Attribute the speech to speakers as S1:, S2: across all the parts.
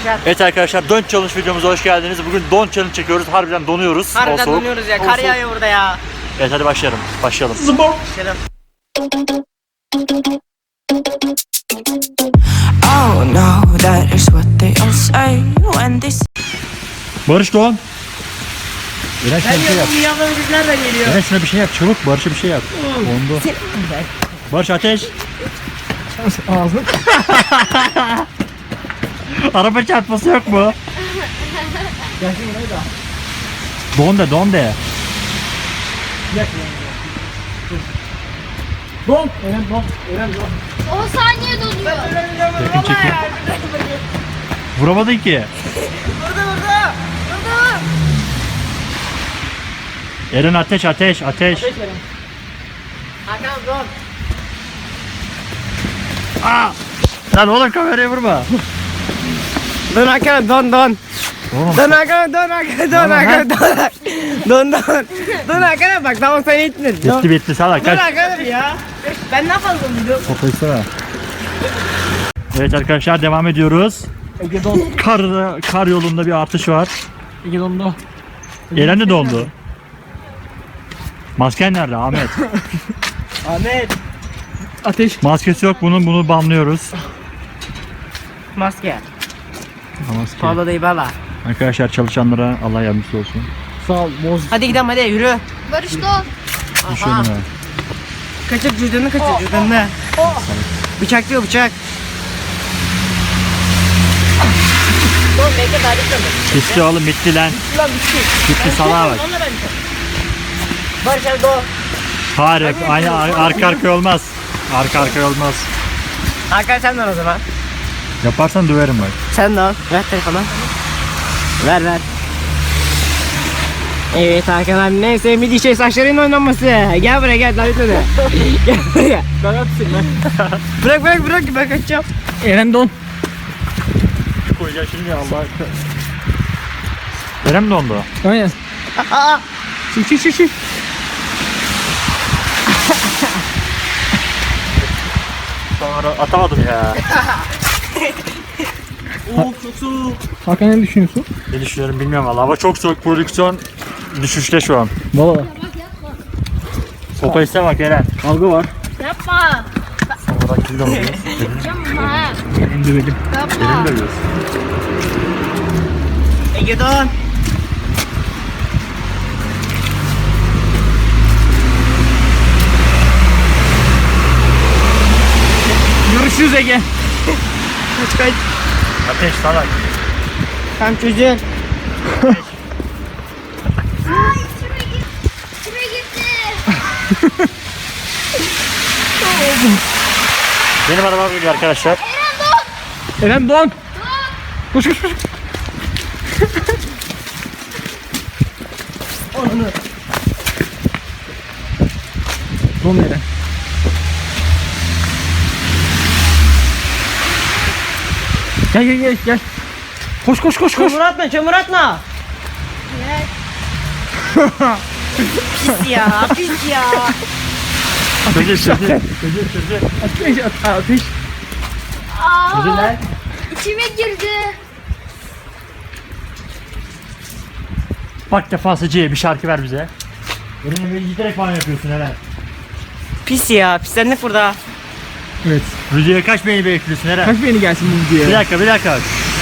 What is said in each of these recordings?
S1: Evet arkadaşlar, Don Challenge videomuza hoş geldiniz. Bugün Don Challenge çekiyoruz. Harbiden donuyoruz.
S2: Harbiden donuyoruz ya. Kar yağıyor burada ya.
S1: Evet hadi başlayalım. Başlayalım.
S3: Oh no, that is what they all say when they
S1: Barış Doğan. Eren şuna
S2: Ben
S1: bir şey yap.
S2: diyorum dünyadan biz nereden geliyor?
S1: Eren şuna bir şey yap. Çabuk Barış'a bir şey yap. Dondu. Barış ateş.
S2: Ağzını.
S1: Araba çarpması yok mu?
S2: Gelsin burayı da.
S1: Don de, don de.
S2: Don. Eren don. Eren don.
S4: 10 saniye donuyor.
S1: Çekin çekin. Vuramadın ki.
S2: Burada.
S1: Eren ateş, ateş, ateş.
S2: Hakan don.
S1: Aa! Lan oğlum kameraya vurma.
S2: Don Hakan don.
S1: Oğlum.
S2: Don Hakan don Hakan don Hakan don. Don Hakan'a bak tamam sen ittin.
S1: Bitti salak.
S2: Don
S1: Kaç.
S2: Hakan'ım ya. Ben ne yapalım bunu?
S1: Topu isteme. Evet arkadaşlar devam ediyoruz.
S2: Ege don.
S1: Kar yolunda bir artış var.
S2: Ege dondu.
S1: Eren de dondu. Masken nerede Ahmet?
S2: Ahmet. Ateş.
S1: Maskesi yok bunun, bunu banlıyoruz.
S2: Maske.
S1: Maske.
S2: Pahalı değil bala.
S1: Arkadaşlar çalışanlara Allah yardımcısı olsun.
S2: Sağ ol boz. Hadi gidelim hadi yürü.
S4: Barış don.
S1: Düşürdüm ha.
S2: Kaçır cüzdanını kaçır cüzdanını. Bıçak diyor bıçak. Don bekle daha bitmedi.
S1: Bitti oğlum, bitti lan.
S2: Lan bitti.
S1: Bitti salağa bak.
S2: Barış hadi don.
S1: Hayır, aynı arka arkaya olmaz. Arka arkaya olmaz.
S2: Hakan sen don o zaman.
S1: Yaparsan döverim bak.
S2: Sen don. Ver telefonu. Ver. Evet Hakan abi ne sevmediği şey saçların oynaması. Gel buraya gel daha bitmedi. Gel buraya. Bırak ben kaçacağım. Eren don.
S1: Koyacağım şimdi Allah. Eren mi dondu?
S2: Aynen. Aa. Şu.
S1: Sonra atamadım ya.
S2: Çok soğuk.
S5: Hakan ne düşünüyorsun?
S1: Ne düşünüyorum bilmiyorum valla. Hava çok soğuk, prodüksiyon düşüşte şu an.
S5: Valla
S1: Sopa iste bak Eren.
S5: kavga var.
S4: Yapma.
S1: Sonra kilde oluyor.
S4: Yapma.
S5: İndirelim.
S4: Yapma.
S1: Elini dövüyorsun.
S2: Ege don.
S5: Görüşürüz Ege.
S2: Kaç.
S1: Ateş salak.
S2: Tam çocuğun.
S4: Ay içime gitti.
S1: Benim arabam geliyor arkadaşlar.
S5: Eren Doğan. Koş.
S2: Onu.
S5: Don Eren. Gel. Koş.
S2: Çamur atma. Pis ya.
S1: Çözül.
S5: Ateş.
S4: Aa, içime girdi.
S1: Bak defasıcıya bir şarkı ver bize. Eren'e böyle giderek falan yapıyorsun Eren.
S2: Pis ya. Pislendik burada.
S5: Evet.
S1: Videoya kaç beğeni bekliyorsun Eren?
S5: Kaç beğeni gelsin bu videoya?
S1: Bir dakika.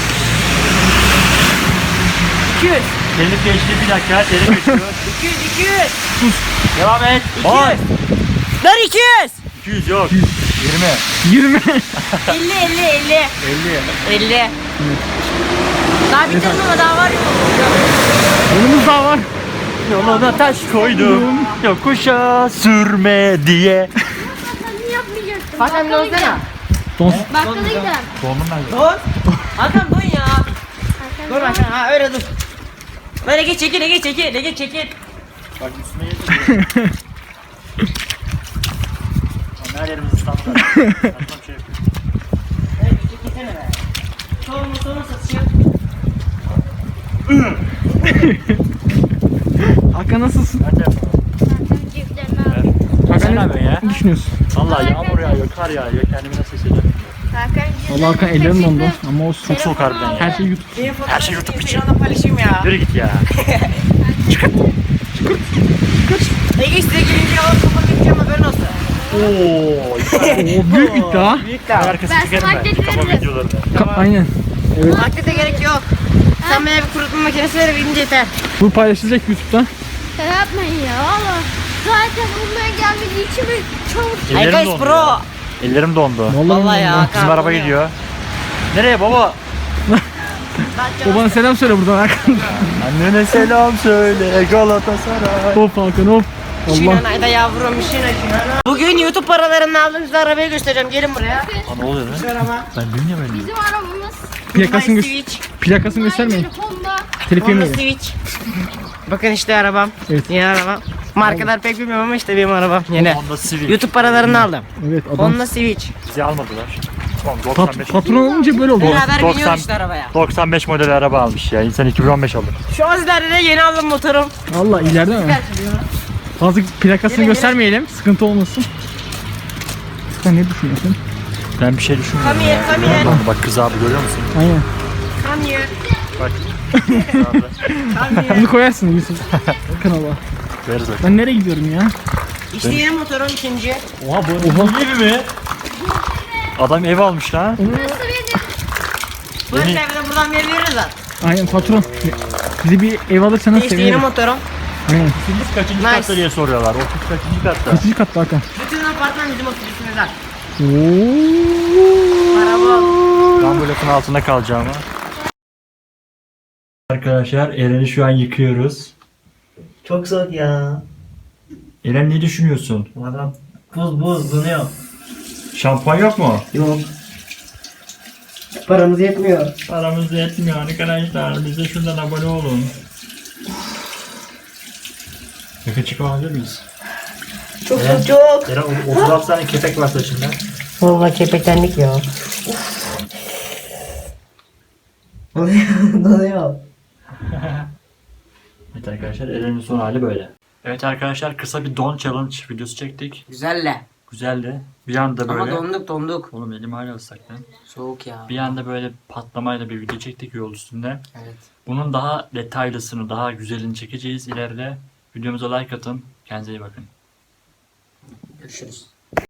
S2: 200.
S1: Elif geçti bir dakika. Elif geçiyor.
S2: 200.
S1: Devam et.
S2: 200.
S1: Oy.
S2: Ver 200.
S1: 200 yok.
S5: 20.
S2: 50.
S1: 50.
S2: Daha bitirdim ama daha var ya.
S5: Yolumuz daha var.
S1: Yoluna taş koydum. Yokuşa sürme diye.
S4: Sen niye yapmayacaksın?
S2: Hakan bir olsana.
S4: Bakkala gidelim.
S1: Donum ben.
S2: Dur. Hakan dur ya. Dur Hakan ha öyle dur. Böyle geç çekil.
S1: Bak üstüne yedim. Her yerimiz ıslattı. Saçma bir şey yapıyor.
S2: Evet çekilsene be. Sonra satışı.
S5: Hakan nasılsın?
S1: Ben de yapamam.
S4: Zaten ceplerine al.
S1: Sen ne yapıyorsun ya?
S5: Ne düşünüyorsun?
S1: Vallahi yağmur yağıyor, kar yağıyor. Kendimi nasıl hissediyorum?
S5: Allah Hakan ellerim dondu ama olsun.
S1: Çok soğuk harbiden ya.
S5: Her şey YouTube.
S2: Benim fotoğrafımı
S1: şey YouTube için.
S2: Instagram'da paylaşayım ya.
S1: Yürü git ya.
S2: Ege size gelince alıp kapatıp gideceğim, haberin olsun.
S1: Oo.
S5: Oo, büyük iddia.
S2: Büyük daha.
S1: Arkası
S4: Ben
S1: çekerim
S4: sana
S1: ben. Kafa
S4: dedim.
S1: videolarını.
S5: Aynen. Evet.
S2: Vakti de gerek yok. Sen bana bir kurutma makinesi ver, binince yeter.
S5: Bu paylaşılacak YouTube'da.
S4: Yapmayın ya valla. Zaten bunlara gelmediği için bir çabuk.
S2: Hey
S1: Ellerim
S2: guys
S1: dondu
S2: bro.
S1: ya. Ellerim dondu.
S2: Vallahi ya.
S1: Bizim araba gidiyor. Nereye baba?
S2: Ben
S5: Babana selam söyle buradan Hakan.
S1: Annene selam söyle Galatasaray.
S5: Hop Hakan hop. Allah.
S2: Şinanayda yavrum, şinana. Bugün YouTube paralarını aldığımızda arabayı göstereceğim. Gelin buraya.
S1: Aa, ne oluyor lan?
S2: Şu araba.
S1: Ben bilmiyorum öyle.
S4: Bizim arabamız.
S5: Plakasını,
S2: Honda
S5: göster
S2: Civic.
S5: plakasını göstermeyin.
S4: Honda.
S5: Telif
S2: Honda
S5: yemeyin.
S2: Civic. Bakın işte arabam.
S5: Evet.
S2: Yeni arabam. Markalar pek bilmiyorum ama işte benim arabam yeni.
S1: Honda Civic.
S2: YouTube paralarını aldım.
S5: Evet adam.
S2: Honda Civic.
S1: Bizi almadılar. Tamam 95.
S5: Patron olunca böyle oldu.
S2: Beraber
S1: 90
S2: biniyoruz işte arabaya.
S1: 95 model araba almış ya. İnsan 2015 alır.
S2: Şu an sizlerde de yeni aldım motorum.
S5: Valla ileride mi? Fazla plakasını
S2: Gelin,
S5: göstermeyelim. Sıkıntı olmasın. Sen ne düşünüyorsun?
S1: Ben bir şey düşünmüyorum
S2: Come here,
S1: ya.
S2: come here.
S1: Ellerim dondu. Bak kız abi görüyor musun?
S5: Aynen.
S2: Come here.
S1: Bak. Kız abi.
S2: Come here.
S5: Bunu koyarsın Yusuf. Kanala.
S1: Veririz bak.
S5: Ben nereye gidiyorum ya?
S2: İşte yeni motorum ikinci.
S1: Oha bu evi mi? Adam ev almış lan.
S2: Bu
S1: Yeni-
S2: evde buradan veririz lan.
S5: Aynen patron. Bizi bir ev alırsanız
S2: İşte yeni
S5: sevinirim.
S2: motorum.
S5: Aynen.
S1: Biz kaçıncı
S2: Nice.
S1: katta diye soruyorlar. 30 kaçıncı katta?
S5: Kaçıncı katta Hakan?
S2: Bütün apartman bizim ofisimizden.
S5: Ooo.
S2: Araba.
S1: Ben bu lafın altında kalacağım ha. Arkadaşlar Eren'i şu an yıkıyoruz.
S2: Çok soğuk ya.
S1: Eren ne düşünüyorsun?
S2: Adam buz donuyor.
S1: Şampuan yok mu?
S2: Yok. Paramız yetmiyor.
S1: Paramız yetmiyor arkadaşlar. Bize şuradan abone olun. Yakın çıkabilir miyiz?
S2: Çok soğuk çok.
S1: Eren 36 tane kepek var saçında.
S2: Vallahi kepeklendik ya. Donuyor.
S1: Evet arkadaşlar Eren'in son hali böyle. Evet arkadaşlar kısa bir don challenge videosu çektik.
S2: Güzelle.
S1: Güzeldi. Bir anda böyle.
S2: Ama donduk.
S1: Oğlum elim hala ıslak lan.
S2: Soğuk ya.
S1: Bir anda böyle patlamayla bir video çektik yol üstünde.
S2: Evet.
S1: Bunun daha detaylısını, daha güzelini çekeceğiz ileride. Videomuza like atın. Kendinize iyi bakın.
S2: Görüşürüz.